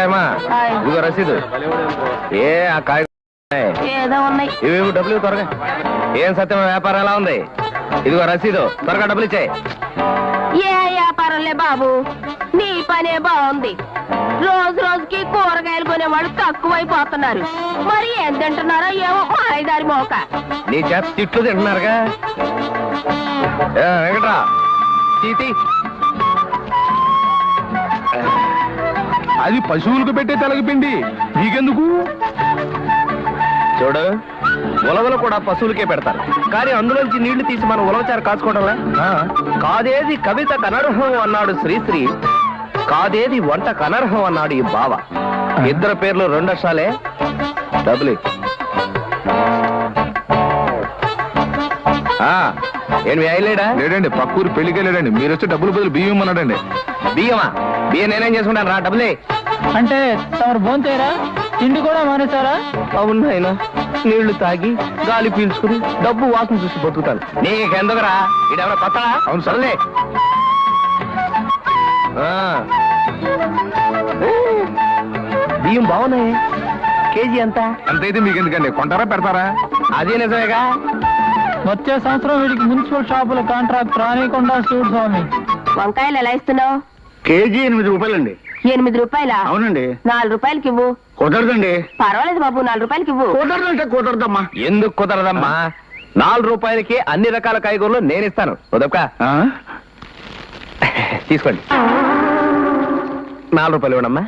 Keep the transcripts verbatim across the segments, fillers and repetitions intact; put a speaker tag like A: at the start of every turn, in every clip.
A: హాయమ్మా, ఇదిగో రసీదు. ఏ ఆ కాయ
B: ఏదో ఉన్నాయి.
A: ఇవి డబ్బులు త్వరగా. ఏం సత్యం, వ్యాపారం ఎలా ఉంది? ఇదిగో రసీదు, త్వరగా డబ్బులు ఇచ్చాయి.
B: ఏ వ్యాపారంలే బాబు, నీ పనే బాగుంది. రోజు రోజుకి కూరగాయలు కొనేవాళ్ళు తక్కువైపోతున్నారు. మరి ఏం తింటున్నారో ఏమో మాయదారి మోక.
A: నీ చేత తిట్లు తింటున్నారుగా. వెంకట్రా తీతి.
C: అది పశువులకు పెట్టే తెలగపిండి, నీకెందుకు?
A: చూడు, ఉలవలు కూడా పశువులకే పెడతారు, కానీ అందులోంచి నీళ్లు తీసి మనం ఉలవచారు కాచుకోవడంలా. కాదేది కవిత కనర్హం అన్నాడు శ్రీశ్రీ, కాదేది వంట కనర్హం అన్నాడు ఈ బావ. ఇద్దరు పేర్లు రెండు అక్షరాలే. డబ్బులు ఏం వేయలేడా?
C: లేడండి, పక్కూరు పెళ్లికి వెళ్ళాడండి. మీరు వచ్చి డబ్బులు బదులు బియ్యం అన్నాడండి.
A: బియ్యమా? బియ్యం నేనేం చేసుకుంటాను రా. డబ్బులే
D: అంటే తమరు భోంతేరా, తిండి కూడా మానేశారా?
A: అవును ఆయన, నీళ్లు తాగి గాలి పీల్చుకుని డబ్బు వాసన చూసి బతుకుతాను. నీకెందుకురా, ఇడెవరో కొత్తడా?
C: అవును
A: సరేలే. బియ్యం బాగున్నాయి. కేజీ ఎంత?
C: అంతైతే మీకు ఎందుకండి, కొంటారా పెడతారా?
A: అదే నిజమేగా.
D: వచ్చే సంవత్సరం వీడికి మున్సిపల్ షాపుల కాంట్రాక్ట్ రానికుండా చూడు స్వామి.
B: వంకాయలు ఎలా ఇస్తున్నావు?
E: కేజీ ఎనిమిది రూపాయలండి.
B: ఎనిమిది రూపాయలా?
E: అవునండి.
B: నాలుగు రూపాయలకి ఇవ్వు.
E: కుదరదండి.
B: పర్వాలేదు బాబు, నాలుగు రూపాయలకి ఇవ్వు.
E: కుదరదంటే కుదరదమ్మా.
A: ఎందుకు కుదరదమ్మా? నాలుగు రూపాయలకి అన్ని రకాల కాయగూరలు నేను ఇస్తాను. ఉదక తీసుకోండి. నాలుగు రూపాయలు ఇవ్వడమ్మా.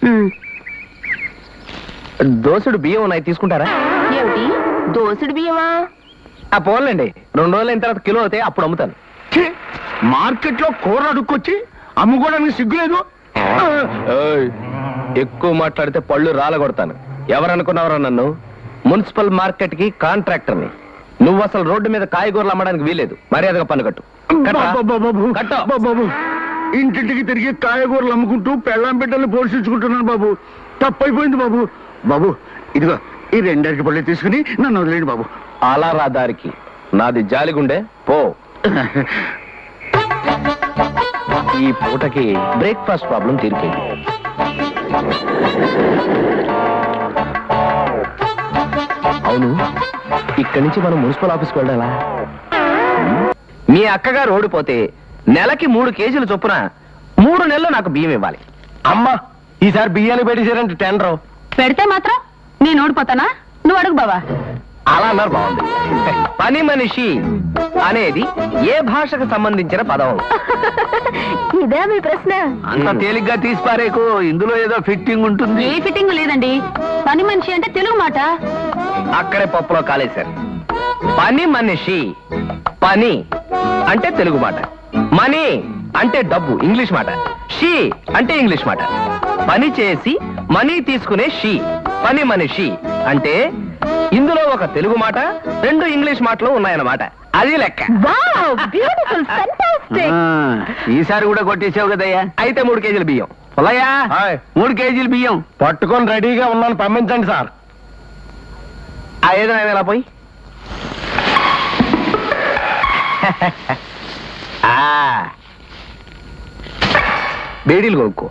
A: దోసుడు బియ్యం ఉన్నాయి, తీసుకుంటారా?
B: ఏమిటి దోసుడు బియ్యమా?
A: ఆ పోన్లండి, రెండు రోజులు అయిన తర్వాత కిలో అవుతాయి, అప్పుడు అమ్ముతాను.
E: మార్కెట్ లో కూర అడుక్కొచ్చి అమ్ముకోవడానికి సిగ్గులేదు.
A: ఎక్కువ మాట్లాడితే పళ్ళు రాలగొడతాను. ఎవరనుకున్నావరా నన్ను? మున్సిపల్ మార్కెట్ కి కాంట్రాక్టర్ని. నువ్వు అసలు రోడ్డు మీద కాయగూరలు అమ్మడానికి వీలేదు. మర్యాదగా పన్ను కట్టు.
E: బాబు, ఇంటింటికి తిరిగి కాయగూరలు అమ్ముకుంటూ పెళ్ళాం బిడ్డల్ని పోషించుకుంటున్నాను బాబు. తప్పైపోయింది బాబు. బాబు ఇదిగో ఈ రెండరికి పళ్ళు తీసుకుని నన్ను వదిలేండి బాబు.
A: అలా రా దారికి, నాది జాలిగుండే పో. ఈ పూటకి బ్రేక్ఫాస్ట్ ప్రాబ్లం తీరిపోయింది. అవును, ఇక్కడి నుంచి మనం మున్సిపల్ ఆఫీస్కి వెళ్ళాలా? మీ అక్కగారు ఓడిపోతే నెలకి మూడు కేజీలు చొప్పున మూడు నెలలు నాకు బియ్యం ఇవ్వాలి. అమ్మా, ఈసారి బియ్యాన్ని పెట్టేశారంటే టెండర్
B: పెడితే మాత్రం నేను ఓడిపోతానా? నువ్వు అడుగు బావా.
A: అలా అన్నారు, బాగుంది. పని మనిషి అనేది ఏ భాషకు సంబంధించిన పదం?
B: ఇదే మీ ప్రశ్న?
A: అంత తేలిగ్గా తీసిపారేకు, ఇందులో ఏదో ఫిట్టింగ్ ఉంటుంది.
B: ఏ ఫిట్టింగ్ లేదండి. పని మనిషి అంటే తెలుగు మాట.
A: అక్కడే పప్పులో కాలేశారు. పని మనిషి, పని అంటే తెలుగు మాట, మనీ అంటే డబ్బు ఇంగ్లీష్ మాట, షీ అంటే ఇంగ్లీష్ మాట. పని చేసి మనీ తీసుకునే షీ, పని మనిషి అంటే ఇందులో ఒక తెలుగు మాట, రెండు ఇంగ్లీష్ మాటలు ఉన్నాయన్నమాట. అది లెక్క.
E: ఈసారి కూడా కొట్టేసావు కదయ్యా.
A: అయితే మూడు కేజీల బియ్యం. పొలయ్యా,
E: మూడు కేజీలు బియ్యం
A: పట్టుకొని రెడీగా ఉన్నాను, పంపించండి సార్. ఆ ఏదో ఎలా పోయి బేడీలు కొనుక్కో.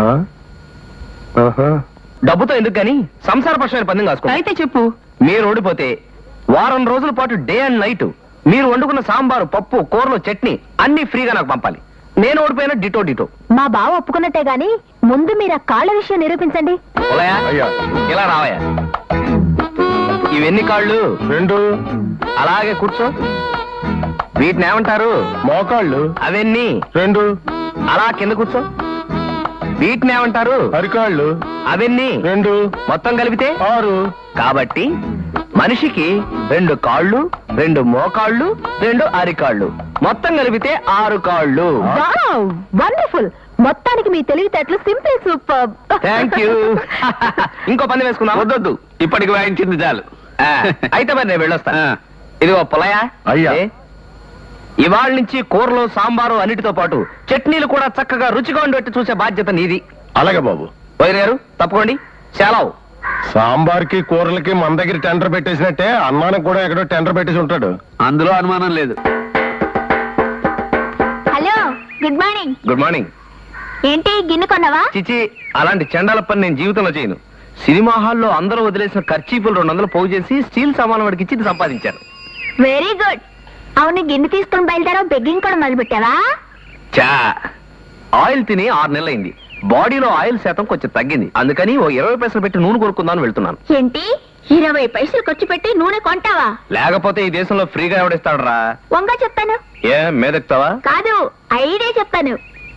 A: డబ్బుతో ఎందుకు కానీ సంసారపక్షమైన పందెం కాసుకో.
B: అయితే చెప్పు.
A: మీరు ఓడిపోతే వారం రోజుల పాటు డే అండ్ నైట్ మీరు వండుకున్న సాంబారు, పప్పు, కూరలు, చట్నీ అన్ని ఫ్రీగా నాకు పంపాలి. నేను ఓడిపోయినా డిటో డిటో.
B: మా బావ ఒప్పుకున్నట్టే గాని ముందు మీరు ఆ కాళ్ళ విషయం నిరూపించండి.
A: ఇలా రావయ్యా. ఇవెన్ని కాళ్ళు?
C: రెండు.
A: అలాగే కూర్చో. వీటిని ఏమంటారు?
C: మోకాళ్ళు.
A: అవన్నీ
C: రెండు.
A: అలా కింద కూర్చో. వీటిని ఏమంటారు?
C: అరికాళ్ళు.
A: అవన్నీ
C: రెండు.
A: మొత్తం కలిపితే
C: ఆరు.
A: కాబట్టి మనిషికి రెండు కాళ్ళు, రెండు మోకాళ్ళు, రెండు అరికాళ్ళు, మొత్తం కలిపితే ఆరు కాళ్ళు.
B: వండర్ఫుల్. మొత్తానికి మీ తెలివితేటలు సింపుల్ సూపర్.
A: Thank you. ఇంకో పని వేసుకుందాం.
E: వద్దొద్దు, ఇప్పటికి వాయించింది చాలు.
A: అయితే మరి నేను వెళ్ళొస్తాను. ఇదిగో పొలయా,
C: అయ్యా,
A: ఇవాళ నుంచి కూరలు, సాంబారు అన్నిటితో పాటు చట్నీలు కూడా చక్కగా రుచిగా ఉండేట్టు చూసే బాధ్యత నీది.
C: అలాగే బాబు.
A: వైర్ గారు తప్పుకోండి. సెలవు.
C: సాంబార్కి కూరలకి మన దగ్గర టెండర్ పెట్టేసినట్టే అన్నానికి కూడా ఎక్కడో టెండర్ పెట్టేసి ఉంటాడు.
E: అందులో అనుమానం లేదు.
B: Hello, good morning.
A: Good morning.
B: ఏంటి గిన్నె కొన్నావా?
A: చిచి, అలాంటి చండాల పని నేను జీవితంలో చేయను. సినిమా హాల్లో అందరూ వదిలేసిన ఖర్చీపులు రెండు వందలు పోగు చేసి స్టీల్ సామాన్ వాడికి ఇచ్చి ఇది సంపాదించాను.
B: Very good. అవును, గిన్నె తీసుకుని బయలుదేరావు, బెగ్గింగ్ కూడా మొదలు పెట్టావా?
A: చా ఆయిల్ తిని ఆరు నెలలైంది. బాడీలో ఆయిల్ శాతం కొంచెం తగ్గింది. అందుకని ఓ ఇరవై పైసలు పెట్టి నూనె కొనుక్కుందామని వెళ్తున్నాను.
B: ఏంటి ఇరవై పైసలు ఖర్చు పెట్టి నూనె కొంటావా?
A: లేకపోతే ఈ దేశంలో ఫ్రీగా ఎవడిస్తాడరా?
B: వంగ చెప్తాను.
A: ఏ మేదెక్తావా?
B: కాదు, ఐడియా చెప్తాను.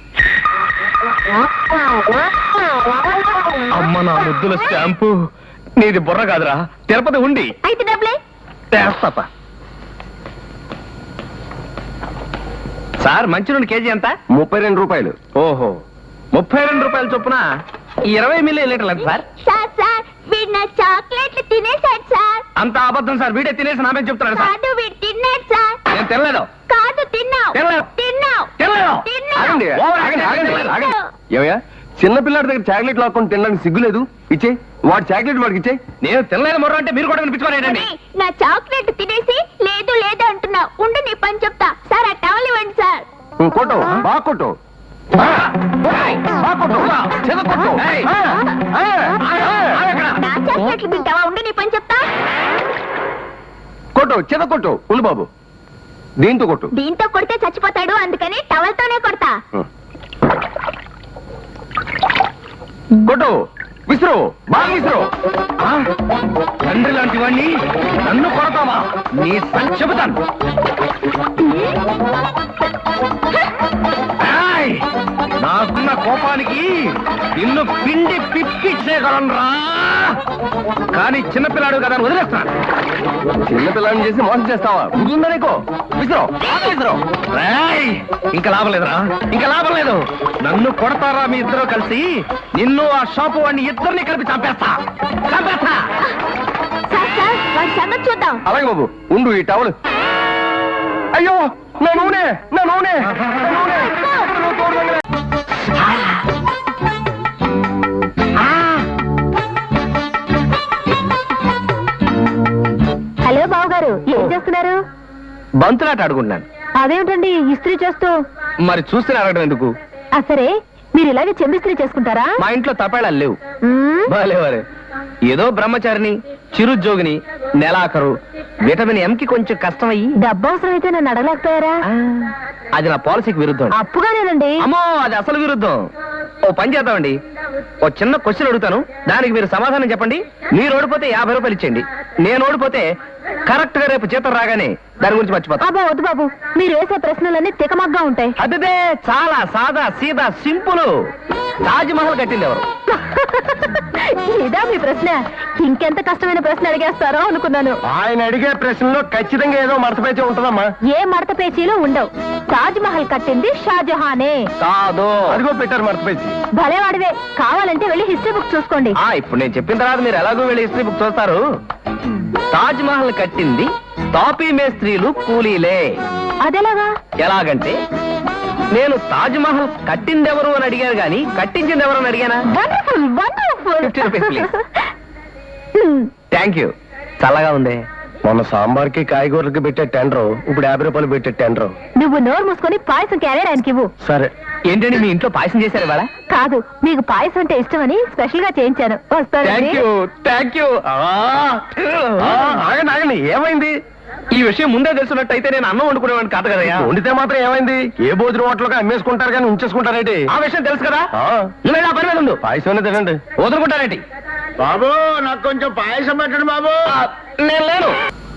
A: అమ్మ నా ముద్దుల స్టాంపు, నీది బుర్ర కాదురా, తిరుపతి ఉండి.
B: అయితే డబ్బులే.
A: చేస్తాపా. సార్ మంచి నూనె కేజీ ఎంత?
C: ముప్పై రెండు రూపాయలు.
A: ఓహో, ముప్పై రెండు రూపాయల చొప్పున ఈ ఇరవై మిల్లీ లీటర్లు ఎంత సార్?
B: సార్ సార్ వీడు నా చాక్లెట్లు తినేశాడు సార్.
A: అంత అబద్ధం సార్, వీడే తినేసి నామే చెప్తున్నాడు సార్.
B: కాదు, వీడు తిన్నాడు సార్.
A: నేను తినలేదు.
B: కాదు, తిన్నావు
A: తినలేదు.
B: తిన్నావు
A: తినలేదు.
B: తిన్నావు.
C: ఆగండి,
A: ఓవర్
C: ఆగండి, ఆగండి,
A: యాక్షన్
C: ఆగండి.
B: తిన్నావు.
C: ఏమయ్యా, చిన్నపిల్లాడి దగ్గర చాక్లెట్ లాక్కొని తినడానికి సిగ్గులేదు? ఇచ్చే వాడి చాక్లెట్ వాడికి ఇచ్చే.
A: నేను తినలేదు మొర్ర అంటే మీరు కూడా వినిపించుకోలేదండి.
B: ఒరేయ్, నా చాక్లెట్ తినేసి లేదు లేదు అంటున్నావు. ఉండు నీ పని చెప్తా. సార్ ఆ టవల్ ఇవ్వండి సార్.
C: కొట్టు, బాగా కొట్టు. బాగా కొట్టు, చిన్న కొట్టు.
A: ఏయ్.
C: ఆ, ఆ, ఆ, ఆ.
B: నా చాక్లెట్లు తింటావా? ఉండు నీ పని చెప్తా.
C: కొట్టు, చిన్న కొట్టు. ఉండు బాబు, దీంతో కొట్టు.
B: దీంతో కొడితే చచ్చిపోతాడు, అందుకని టవల్ తోనే కొడతా.
C: కొట్టు, విసురు, బాగా విసురు.
A: ఆ? తండ్రి లాంటి వాణ్ణి నన్ను కొడతావా? నీ సంగతి చెబుతాను. ఏయ్! నాకున్న కోపానికి నిన్ను పిండి పిప్పిచ్చేయగలనురా. కానీ చిన్నపిల్లాడు కదా అని వదిలేస్తాను.
C: చిన్నపిల్లాడిని చేసి మోసం చేస్తావా? బుద్ధుందా నీకు? విసురు, బాగా విసురు.
A: ఏయ్! ఇంకా లాభం లేదురా, ఇంకా లాభం లేదు. నన్ను కొడతారా మీ ఇద్దరు కలిసి? నిన్ను ఆ షాపు వాడిని ఇద్దరిని కలిపి చంపేస్తా చంపేస్తా.
B: సార్ సార్ వాడి సంగతి చూద్దాం.
C: అలాగే బాబు, ఉండు ఈ టవల్. అయ్యో, నా నూనె, నా నూనె, నా నూనె.
B: హలో బాబు గారు, ఏం చేస్తున్నారు?
A: బంతులాట ఆడుకుంటున్నాను.
B: అదేమిటండి ఇస్త్రీ చేస్తూ?
A: మరి చూస్తే అడగడం ఎందుకు?
B: ఆ సరే, మీరు ఇలాగే చెంబిస్త్రీ చేసుకుంటారా?
A: మా ఇంట్లో తపేళాలు లేవు.
B: మ్మ్.
A: భలే వరే, ఏదో బ్రహ్మచారిని, చిరుద్యోగిని, నెలాఖరు, విటమిన్ ఎం కి కొంచెం కష్టమయ్యి.
B: డబ్బు అవసరం అయితే నన్ను అడగలేకపోయారా?
A: ఆ, అది నా పాలసీకి విరుద్ధం.
B: అప్పుగానేనండి.
A: అమ్మో, అది అసలు విరుద్ధం. ఓ పని చేద్దామండి, ఓ చిన్న క్వశ్చన్ అడుగుతాను, దానికి మీరు సమాధానం చెప్పండి. మీరు ఓడిపోతే యాభై రూపాయలు ఇచ్చేయండి. నేను ఓడిపోతే కరెక్ట్ గా రేపు జీతం రాగానే దాని గురించి మర్చిపోతా.
B: అబ్బా వద్దు బాబు, మీరు వేసే ప్రశ్నలన్నీ తికమగ్గా ఉంటాయి.
A: అదే చాలా సాదా సీదా సింపుల్. తాజ్ మహల్ కట్టింది ఎవరు?
B: ఇదా మీ ప్రశ్న? ఇంకెంత కష్టమైన ప్రశ్న అడిగేస్తారో అనుకున్నాను.
C: ఆయన అడిగే ప్రశ్నలో ఖచ్చితంగా ఏదో మడతపేచే ఉంటుందమ్మా.
B: ఏ మడత పేచీలు ఉండవు. తాజ్ మహల్ కట్టింది షాజహానే.
A: కాదు.
C: అదిగో పెట్టారు మడతపేచి.
B: భలేవాడివే, కావాలంటే వెళ్ళి హిస్టరీ బుక్ చూసుకోండి.
A: ఆ ఇప్పుడు నేను చెప్పిన తర్వాత మీరు ఎలాగో వెళ్ళి హిస్టరీ బుక్ చూస్తారు. తాజ్ మహల్ కట్టింది తాపీ మేస్త్రీలు, కూలీలే.
B: అదెలాగా?
A: ఎలాగంటే నేను తాజ్ మహల్ కట్టింది ఎవరు అని అడిగాను గాని కట్టించింది ఎవరు అని అడిగానా?
B: Wonderful wonderful.
A: Fifty rupees please. Thank you. చల్లగా ఉంది.
C: మొన్న సాంబార్కి కాయగూరలకి పెట్టే టెండర్ ఇప్పుడు యాభై రూపాయలు పెట్టే టెండర్.
B: నువ్వు నోరు మూసుకొని పాయసం క్యారియర్ ఆయనకి ఇవ్వు.
C: సరే.
A: ఏంటండి మీ ఇంట్లో పాయసం చేశారు ఇవాళ?
B: కాదు, మీకు పాయసం అంటే ఇష్టమని స్పెషల్ గా చేయించాను.
A: థ్యాంక్
B: వస్తాను.
A: You thank you.
C: ఆగండి ఆగండి, ఏమైంది?
A: ఈ విషయం ముందే తెలుసున్నట్టయితే నేను అన్నం వండుకునేవాడిని కాదు కదయ్యా.
C: వండితే మాత్రం ఏమైంది? ఏ భోజనం హోటల్గా అమ్మేసుకుంటారు కానీ ఉంచేసుకుంటారేంటి?
A: ఆ విషయం తెలుసు కదా.
C: ఆ,
A: నువ్వు నా పని మీద ఉండు.
C: పాయసం తినండి.
A: వదులుకుంటారేంటి?
E: బాబు నాకు కొంచెం పాయసం పెట్టండి బాబు.
A: ఆ, నేను లేను.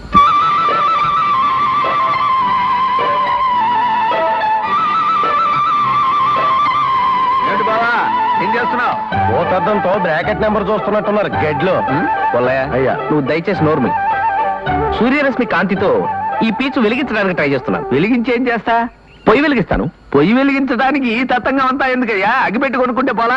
C: ఏంటి బావా, ఏం చేస్తున్నావు? భూతద్దంతో బ్రాకెట్ నెంబర్ చూస్తున్నట్టున్నారు గెడ్లో.
A: కొల్లయ్య,
C: అయ్యా.
A: నువ్వు దయచేసి నోర్మి. సూర్యరశ్మి కాంతితో ఈ పీచు వెలిగించడానికి ట్రై చేస్తున్నాను. వెలిగించి ఏం చేస్తా? పొయ్యి వెలిగిస్తాను. పొయ్యి వెలిగించడానికి ఈ తతంగం అంతా ఎందుకయ్యా? అగ్గిపెట్టి కొనుక్కుంటే పోలా?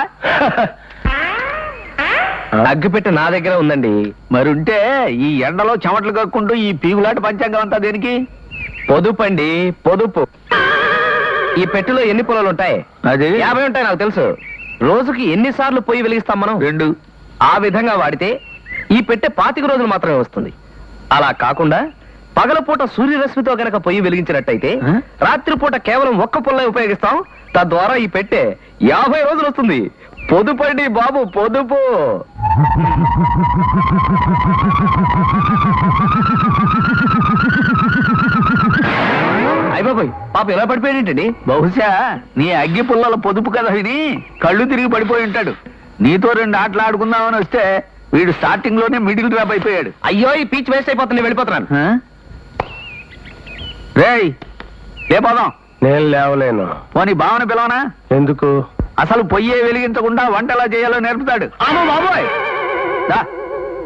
A: అగ్గిపెట్టి నా దగ్గర ఉందండి. మరుంటే ఈ ఎండలో చెమటలు కక్కుంటూ ఈ పీగులాట పంచాంగం అంతా దేనికి? పొదుపండి, పొదుపు. ఈ పెట్టెలో ఎన్ని పొలాలు ఉంటాయి?
C: అది
A: యాభై ఉంటాయి నాకు తెలుసు. రోజుకి ఎన్నిసార్లు పొయ్యి వెలిగిస్తాం మనం? రెండు. ఆ విధంగా వాడితే ఈ పెట్టె పాతిక రోజులు మాత్రమే వస్తుంది. అలా కాకుండా పగలపూట సూర్యరశ్మితో గనక పొయ్యి వెలిగించినట్టయితే
E: ఆ?
A: రాత్రిపూట కేవలం ఒక్క పుల్ల ఉపయోగిస్తాం. తద్వారా ఈ పెట్టె యాభై రోజులు వస్తుంది. పొదుపండి బాబు, పొదుపు. అయిపోయి పాప ఎలా పడిపోయాడేంటండి?
E: బహుశా నీ అగ్గి పుల్లల పొదుపు కదా విని కళ్ళు తిరిగి పడిపోయి ఉంటాడు. నీతో రెండు ఆటలు ఆడుకుందామని వస్తే వీడు స్టార్టింగ్ లోనే మిడిల్ డ్రాప్ అయిపోయాడు.
A: అయ్యో, ఈ పీచ్ వేస్ట్ అయిపోతుంది, నేను వెళ్ళిపోతున్నాను.
E: ఆ? రేయ్ లే పోదాం.
C: నేను లేవలేను.
E: పోనీ భావన పిలవనా?
C: ఎందుకు?
E: అసలు పొయ్యే వెలిగించకుండా వంట ఎలా చేయాలో నేర్పుతాడు.
A: అమ్మో బాబోయ్,
E: దా.